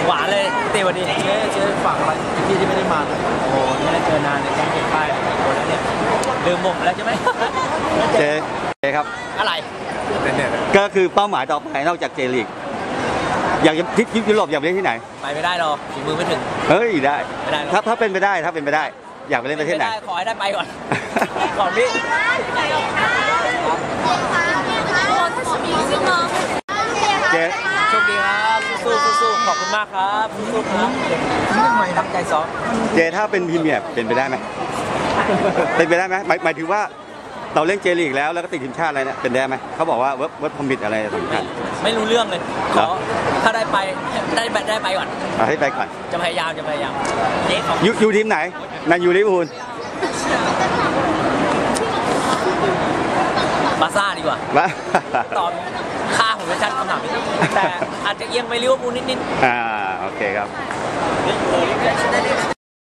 หวานเลยตีวันนี้เจ๊ฝากอะไรพี่ที่ไม่ได้มาโอ้ไม่ได้เจอนานเลยแก๊งเก็บป้ายโอ้แล้วเนี่ยลืมผมแล้วใช่ไหมเจครับอะไรก็คือเป้าหมายต่อไปนอกจากเจลีกอยากจะที่ยุโรปอยากไปเล่นที่ไหนไปไม่ได้หรอกฝีมือไม่ถึงเฮ้ยได้ไม่ได้ถ้าเป็นไปได้อยากไปเล่นประเทศไหนขอให้ได้ไปก่อนก่อนพี่เจโชคดีครับสู้ขอบคุณมากครับสู้ครับตั้งใจซ้อมเจถ้าเป็นพรีเมียร์เป็นไปได้ไหมเป็นไปได้ไหมหมายถึงว่าเราเล่นเจลีกแล้วก็ติดทีมชาติอะไรเนี่ยเป็นได้ไหมเขาบอกว่าเวิร์ดพอมิตอะไรสำคัญไม่รู้เรื่องเลยขอถ้าได้ไปก่อนให้ไปก่อนจะพยายามอยู่ทีมไหนนันยูลิเวอร์พูลบาซ่าดีกว่าตอบค่าผมไม่ชัดคำถามนี้แต่อาจจะเอียงไปลิเวอร์พูลนิดโอเคครับ